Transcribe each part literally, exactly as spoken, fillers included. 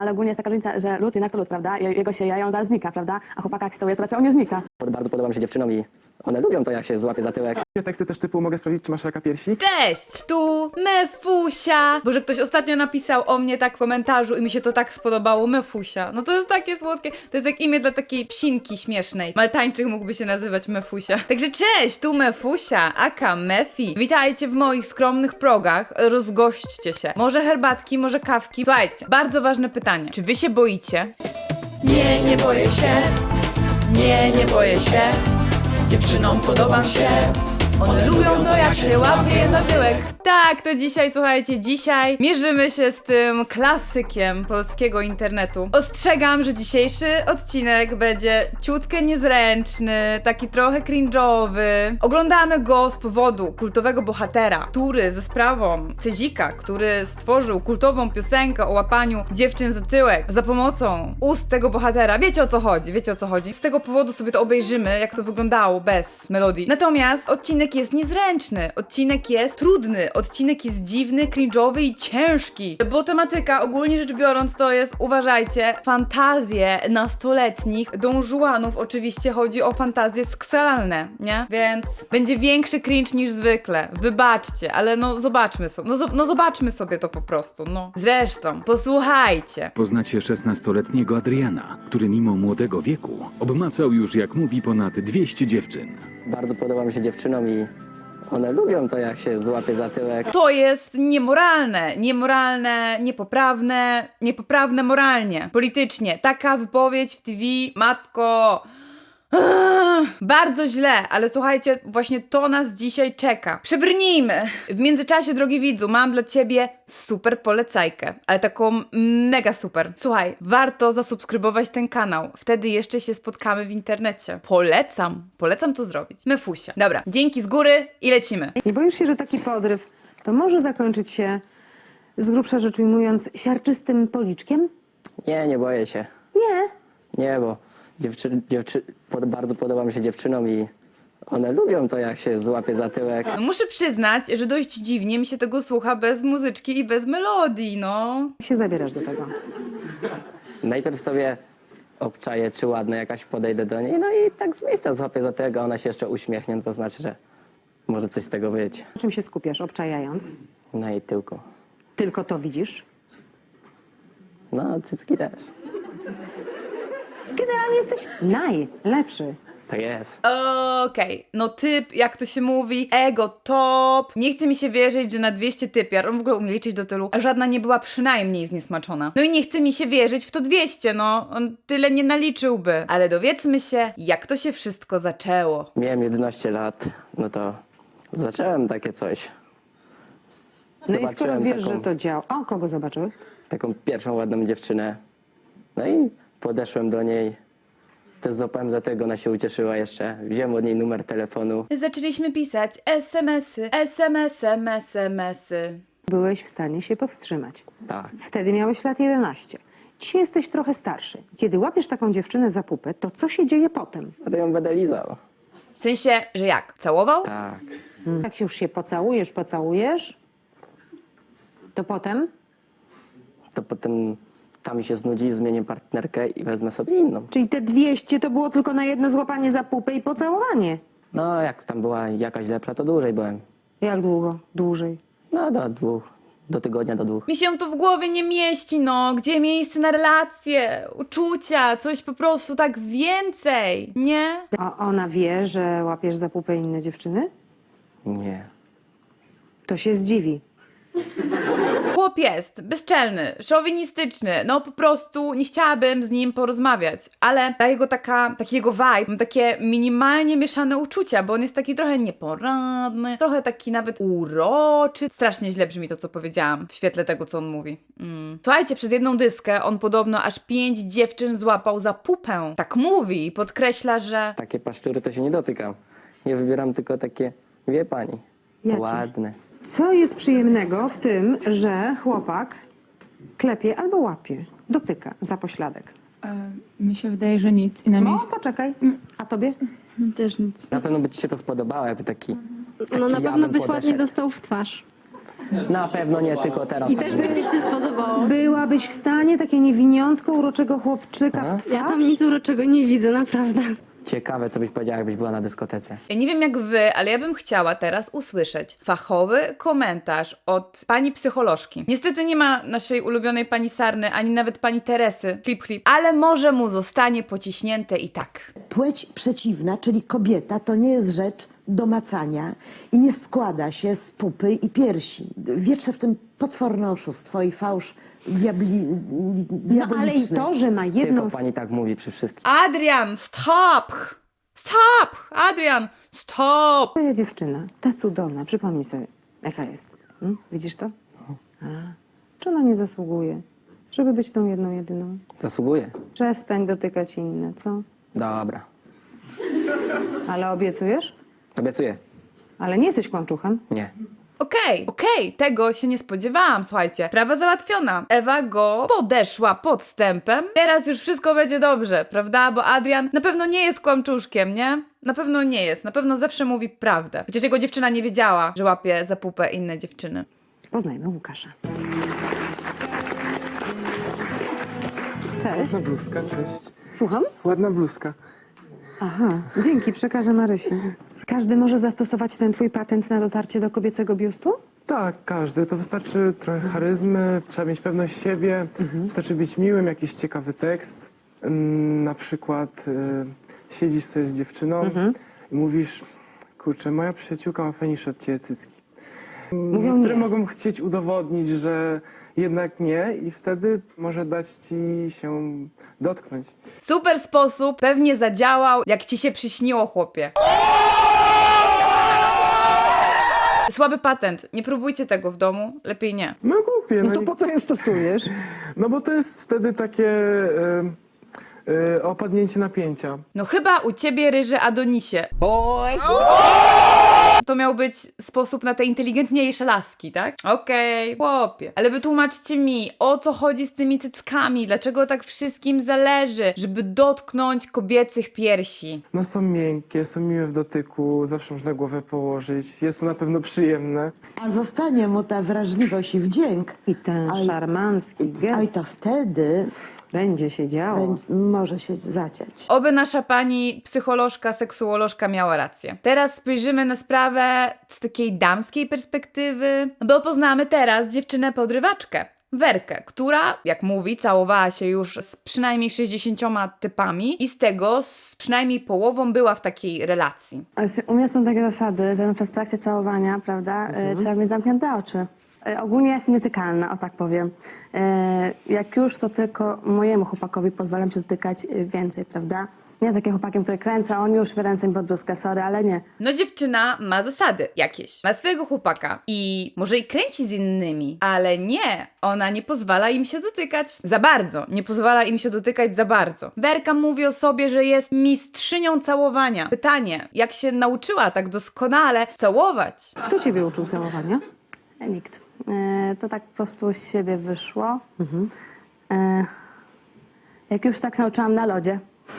Ale ogólnie jest taka różnica, że lód jednak to lód, prawda? Je- Jego się je, on zaraz znika, prawda? A chłopaka jak się całuje, to raczej on nie znika. Bardzo podoba mi się dziewczynom i one lubią to, jak się złapie za tyłek. Teksty też typu mogę sprawdzić, czy masz raka piersi? Cześć! Tu Mefusia! Boże, ktoś ostatnio napisał o mnie tak w komentarzu i mi się to tak spodobało. Mefusia. No to jest takie słodkie. To jest jak imię dla takiej psinki śmiesznej. Maltańczyk mógłby się nazywać Mefusia. Także cześć! Tu Mefusia, aka Mefi. Witajcie w moich skromnych progach. Rozgośćcie się. Może herbatki, może kawki. Słuchajcie, bardzo ważne pytanie. Czy wy się boicie? Nie, nie boję się. Nie, nie boję się. Dziewczynom podobam się. One lubią to, jak się łapie za tyłek. Tak, to dzisiaj, słuchajcie, dzisiaj mierzymy się z tym klasykiem polskiego internetu. Ostrzegam, że dzisiejszy odcinek będzie ciutkę niezręczny, taki trochę cringe'owy. Oglądamy go z powodu kultowego bohatera, który ze sprawą Cezika, który stworzył kultową piosenkę o łapaniu dziewczyn za tyłek za pomocą ust tego bohatera. Wiecie o co chodzi, wiecie o co chodzi. Z tego powodu sobie to obejrzymy, jak to wyglądało bez melodii. Natomiast odcinek jest niezręczny, odcinek jest trudny, odcinek jest dziwny, cringe'owy i ciężki, bo tematyka ogólnie rzecz biorąc to jest, uważajcie, fantazje nastoletnich dążuanów. Oczywiście chodzi o fantazje seksualne, nie? Więc będzie większy cringe niż zwykle, wybaczcie, ale no zobaczmy sobie, no, zo- no zobaczmy sobie to po prostu, no. Zresztą, posłuchajcie. Poznacie szesnastoletniego Adriana, który mimo młodego wieku obmacał już, jak mówi, ponad dwieście dziewczyn. Bardzo podoba mi się dziewczynom i one lubią to, jak się złapie za tyłek. To jest niemoralne, niemoralne, niepoprawne, niepoprawne moralnie, politycznie. Taka wypowiedź w T V, matko... Ach, bardzo źle, ale słuchajcie, właśnie to nas dzisiaj czeka. Przebrnijmy! W międzyczasie, drogi widzu, mam dla ciebie super polecajkę, ale taką mega super. Słuchaj, warto zasubskrybować ten kanał, wtedy jeszcze się spotkamy w internecie. Polecam, polecam to zrobić. Mefusia. Dobra, dzięki z góry i lecimy. Nie boisz się, że taki podryw to może zakończyć się, z grubsza rzecz ujmując, siarczystym policzkiem? Nie, nie boję się. Nie. Nie, bo dziewczy, dziewczy, pod, bardzo podoba mi się dziewczynom i one lubią to, jak się złapie za tyłek. No, muszę przyznać, że dość dziwnie mi się tego słucha bez muzyczki i bez melodii, no. Jak się zabierasz do tego? Najpierw sobie obczaję, czy ładna jakaś, podejdę do niej, no i tak z miejsca złapię za tyłek, a ona się jeszcze uśmiechnie, no to znaczy, że może coś z tego być. Na czym się skupiasz, obczajając? Na jej tyłku. Tylko to widzisz? No, cycki też. Generalnie jesteś najlepszy. Tak jest. Okej, no typ, jak to się mówi, ego top. Nie chce mi się wierzyć, że na dwieście typiar, on w ogóle umie liczyć do tylu, a żadna nie była przynajmniej zniesmaczona. No i nie chce mi się wierzyć w to dwieście, no, on tyle nie naliczyłby. Ale dowiedzmy się, jak to się wszystko zaczęło. Miałem jedenaście lat, no to zacząłem takie coś. No i skoro Zobaczyłem wiesz, taką, że to działa... O, kogo zobaczyłeś? taką pierwszą ładną dziewczynę. No i podeszłem do niej. Też złapałem za tego, ona się ucieszyła jeszcze. Wziąłem od niej numer telefonu. Zaczęliśmy pisać es em esy, es em esy, es em esy. Byłeś w stanie się powstrzymać. Tak. Wtedy miałeś lat jedenaście. Dzisiaj jesteś trochę starszy. Kiedy łapiesz taką dziewczynę za pupę, to co się dzieje potem? A to ją będę lizał. W sensie, że jak? Całował? Tak. Jak już się pocałujesz, pocałujesz, to potem... To potem ta mi się znudzi, zmienię partnerkę i wezmę sobie inną. Czyli te dwieście to było tylko na jedno złapanie za pupę i pocałowanie. No, jak tam była jakaś lepsza, to dłużej byłem. Jak długo? Dłużej. No, do dwóch. Do tygodnia, do dwóch. Mi się to w głowie nie mieści, no. Gdzie miejsce na relacje, uczucia, coś po prostu tak więcej, nie? A ona wie, że łapiesz za pupę inne dziewczyny? Nie. To się zdziwi. Chłop jest bezczelny, szowinistyczny, no po prostu nie chciałabym z nim porozmawiać, ale ta jego taka, taki jego vibe, mam takie minimalnie mieszane uczucia, bo on jest taki trochę nieporadny, trochę taki nawet uroczy. Strasznie źle brzmi to, co powiedziałam w świetle tego, co on mówi. Mm. Słuchajcie, przez jedną dyskę on podobno aż pięć dziewczyn złapał za pupę. Tak mówi i podkreśla, że... Takie paszczury to się nie dotykam. Ja wybieram tylko takie, wie pani, Jakie? ładne. Co jest przyjemnego w tym, że chłopak klepie albo łapie, dotyka za pośladek? E, mi się wydaje, że nic. I na O, miejscu poczekaj. A tobie? też nic. Na pewno by ci się to spodobało, jakby taki, taki No na ja pewno bym byś ładnie podeszedł. dostał w twarz. Na pewno nie tylko teraz. I też by ci się spodobało. Byłabyś w stanie takie niewiniątko, uroczego chłopczyka w twarz? Ja tam nic uroczego nie widzę, naprawdę. Ciekawe, co byś powiedziała, jakbyś była na dyskotece. Ja nie wiem jak wy, ale ja bym chciała teraz usłyszeć fachowy komentarz od pani psycholożki. Niestety nie ma naszej ulubionej pani Sarny, ani nawet pani Teresy, klip klip, ale może mu zostanie pociśnięte i tak. Płeć przeciwna, czyli kobieta, to nie jest rzecz do macania i nie składa się z pupy i piersi. Wietrze w tym potworne oszustwo i fałsz diabli, No ale i diaboliczny. to, że ma jedną Tylko z... pani tak mówi przy wszystkich. Adrian, stop! Stop! Adrian, stop! Twoja dziewczyna, ta cudowna, przypomnij sobie, jaka jest. Hmm? Widzisz to? A, czy ona nie zasługuje, żeby być tą jedną, jedyną? Zasługuje. Przestań dotykać inne, co? Dobra. Ale obiecujesz? Obiecuję. Ale nie jesteś kłamczuchem? Nie. Okej, okej, tego się nie spodziewałam, słuchajcie. Sprawa załatwiona. Ewa go podeszła podstępem. Teraz już wszystko będzie dobrze, prawda? Bo Adrian na pewno nie jest kłamczuszkiem, nie? Na pewno nie jest. Na pewno zawsze mówi prawdę. Chociaż jego dziewczyna nie wiedziała, że łapie za pupę inne dziewczyny. Poznajmy Łukasza. Cześć. Ładna bluzka, cześć. Słucham? Ładna bluzka. Aha, dzięki, przekażę Marysi. Każdy może zastosować ten twój patent na dotarcie do kobiecego biustu? Tak, każdy. To wystarczy trochę charyzmy, trzeba mieć pewność siebie, wystarczy być miłym, jakiś ciekawy tekst. Ym, Na przykład y, siedzisz sobie z dziewczyną i mówisz, kurczę, moja przyjaciółka ma fajniejsze od ciebie cycki. Mówią Niektóre nie. mogą chcieć udowodnić, że jednak nie i wtedy może dać ci się dotknąć. Super sposób, pewnie zadziałał, jak ci się przyśniło, chłopie. Słaby patent. Nie próbujcie tego w domu. Lepiej nie. No głupie. No to i- po co je stosujesz? No bo to jest wtedy takie y, y, opadnięcie napięcia. No chyba u ciebie, ryży Adonisie. To miał być sposób na te inteligentniejsze laski, tak? Okej, chłopie. Ale wytłumaczcie mi, o co chodzi z tymi cyckami? Dlaczego tak wszystkim zależy, żeby dotknąć kobiecych piersi? No są miękkie, są miłe w dotyku, zawsze można głowę położyć. Jest to na pewno przyjemne. A zostanie mu ta wrażliwość i wdzięk. I ten A i- szarmancki A i gest to wtedy będzie się działo. będzie, może się zadziać. Oby nasza pani psycholożka, seksuolożka miała rację. Teraz spojrzymy na sprawę z takiej damskiej perspektywy, bo poznamy teraz dziewczynę-podrywaczkę. Werkę, która, jak mówi, całowała się już z przynajmniej sześćdziesięcioma typami i z tego z przynajmniej połową była w takiej relacji. Znaczy, u mnie są takie zasady, że na przykład w trakcie całowania, prawda, y, trzeba mieć zamknięte oczy. Y, ogólnie ja jestem nietykalna, o tak powiem. Y, jak już, to tylko mojemu chłopakowi pozwalam się dotykać y, więcej, prawda? Nie z takim chłopakiem, który kręca, on już ręce mi pod bluzkę, sorry, ale nie. No dziewczyna ma zasady jakieś. Ma swojego chłopaka i może i kręci z innymi, ale nie, ona nie pozwala im się dotykać za bardzo. Nie pozwala im się dotykać za bardzo. Werka mówi o sobie, że jest mistrzynią całowania. Pytanie, jak się nauczyła tak doskonale całować? Kto ciebie uczył całowania? E, Nikt. Y, to tak po prostu z siebie wyszło. Y, jak już tak się nauczyłam na lodzie.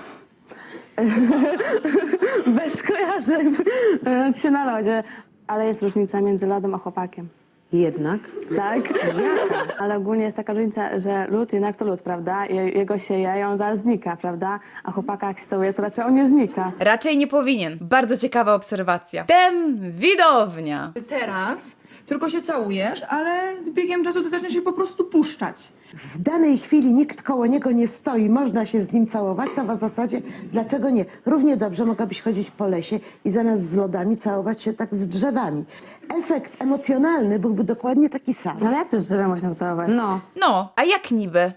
Bez skojarzeń. Y, się na lodzie. Ale jest różnica między lodem a chłopakiem. Jednak. Tak? Ale ogólnie jest taka różnica, że lód jednak to lód, prawda? Je, jego się je, ją zaraz znika, prawda? A chłopaka jak się całuje, to raczej on nie znika. Raczej nie powinien. Bardzo ciekawa obserwacja. Tem widownia. Teraz tylko się całujesz, ale z biegiem czasu to zacznie się po prostu puszczać. W danej chwili nikt koło niego nie stoi, można się z nim całować, to w zasadzie dlaczego nie? Równie dobrze mogłabyś chodzić po lesie i zamiast z lodami całować się tak z drzewami. Efekt emocjonalny byłby dokładnie taki sam. No ale jak to z drzewem można całować? No. No, a jak niby?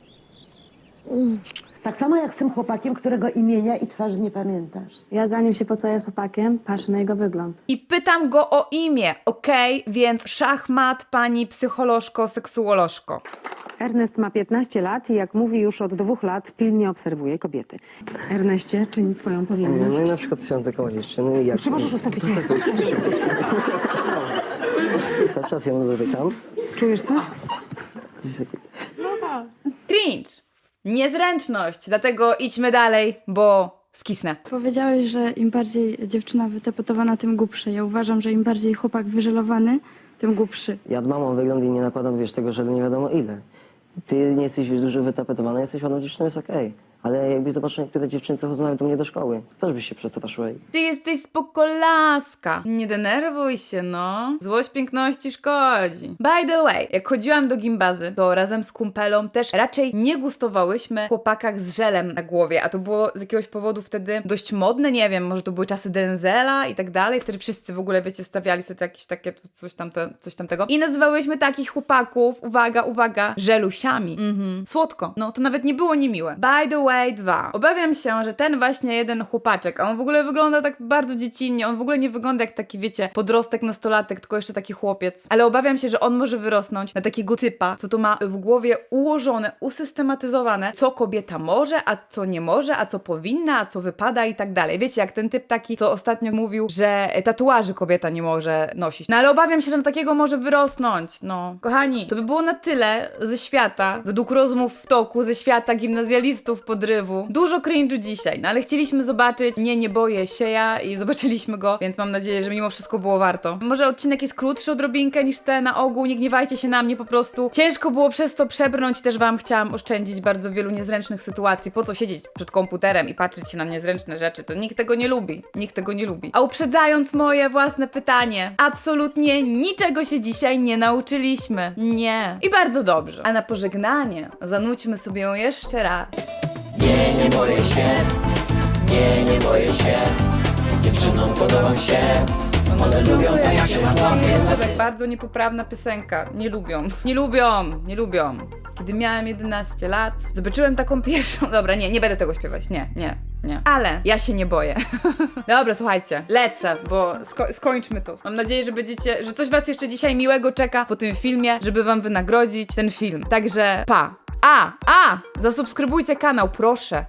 Tak samo jak z tym chłopakiem, którego imienia i twarzy nie pamiętasz. Ja zanim się pocałuję z chłopakiem, patrzę na jego wygląd. I pytam go o imię, okej? Więc szachmat, pani psycholożko, seksuolożko. Ernest ma piętnaście lat i jak mówi, już od dwóch lat pilnie obserwuje kobiety. Erneście, czyń swoją powinność. No i na przykład siądę koło dziewczyny i jak... Czy możesz ustąpić miejsce? Cały czas ją dotykam. Czujesz coś? Gdzieś takie... Cringe. Niezręczność. Dlatego idźmy dalej, bo skisnę. Powiedziałeś, że im bardziej dziewczyna wytepetowana, tym głupsze. Ja uważam, że im bardziej chłopak wyżelowany, tym głupszy. Ja dbam o wygląd i nie nakładam, wiesz, tego żelu nie wiadomo ile. Ty nie jesteś, wiesz, dużo wytapetowana, jesteś ładną dziewczyną, jest okej. Ale jakbyś zobaczył niektóre dziewczyny, co chodzą do mnie do szkoły, to też byś się przestraszyła. Ty jesteś spokolaska. Nie denerwuj się, no. Złość piękności szkodzi. By the way, jak chodziłam do gimbazy, to razem z kumpelą też raczej nie gustowałyśmy w chłopakach z żelem na głowie, a to było z jakiegoś powodu wtedy dość modne, nie wiem, może to były czasy Denzela i tak dalej, wtedy wszyscy w ogóle, wiecie, stawiali sobie jakieś takie coś, tamte, coś tamtego i nazywałyśmy takich chłopaków, uwaga, uwaga, żelusiami. Mhm. Słodko. No, to nawet nie było niemiłe. By the way, dwa. Obawiam się, że ten właśnie jeden chłopaczek, a on w ogóle wygląda tak bardzo dziecinnie, on w ogóle nie wygląda jak taki, wiecie, podrostek, nastolatek, tylko jeszcze taki chłopiec, ale obawiam się, że on może wyrosnąć na takiego typa, co to ma w głowie ułożone, usystematyzowane, co kobieta może, a co nie może, a co powinna, a co wypada i tak dalej. Wiecie, jak ten typ taki, co ostatnio mówił, że tatuaży kobieta nie może nosić. No ale obawiam się, że na takiego może wyrosnąć. No, kochani, to by było na tyle ze świata, według rozmów w toku, ze świata gimnazjalistów podrywu. Dużo cringe'u dzisiaj, no ale chcieliśmy zobaczyć Nie, nie boję się ja i zobaczyliśmy go, więc mam nadzieję, że mimo wszystko było warto. Może odcinek jest krótszy odrobinkę niż te na ogół, nie gniewajcie się na mnie po prostu. Ciężko było przez to przebrnąć, też wam chciałam oszczędzić bardzo wielu niezręcznych sytuacji. Po co siedzieć przed komputerem i patrzeć się na niezręczne rzeczy? To nikt tego nie lubi. Nikt tego nie lubi. A uprzedzając moje własne pytanie, absolutnie niczego się dzisiaj nie nauczyliśmy. Nie. I bardzo dobrze. A na pożegnanie zanudźmy sobie ją jeszcze raz. Nie, nie boję się, nie, nie boję się, dziewczynom podobam się, one lubią to jak się złapię za To tak bardzo niepoprawna piosenka. Nie lubią. Nie lubią. Nie lubią. Kiedy miałem jedenaście lat, zobaczyłem taką pierwszą... Dobra, nie, nie będę tego śpiewać. Nie, nie, nie. Ale ja się nie boję. Dobra, słuchajcie. Lecę, bo sko skończmy to. Mam nadzieję, że będziecie... że coś was jeszcze dzisiaj miłego czeka po tym filmie, żeby wam wynagrodzić ten film. Także pa. A, a! Zasubskrybujcie kanał, proszę.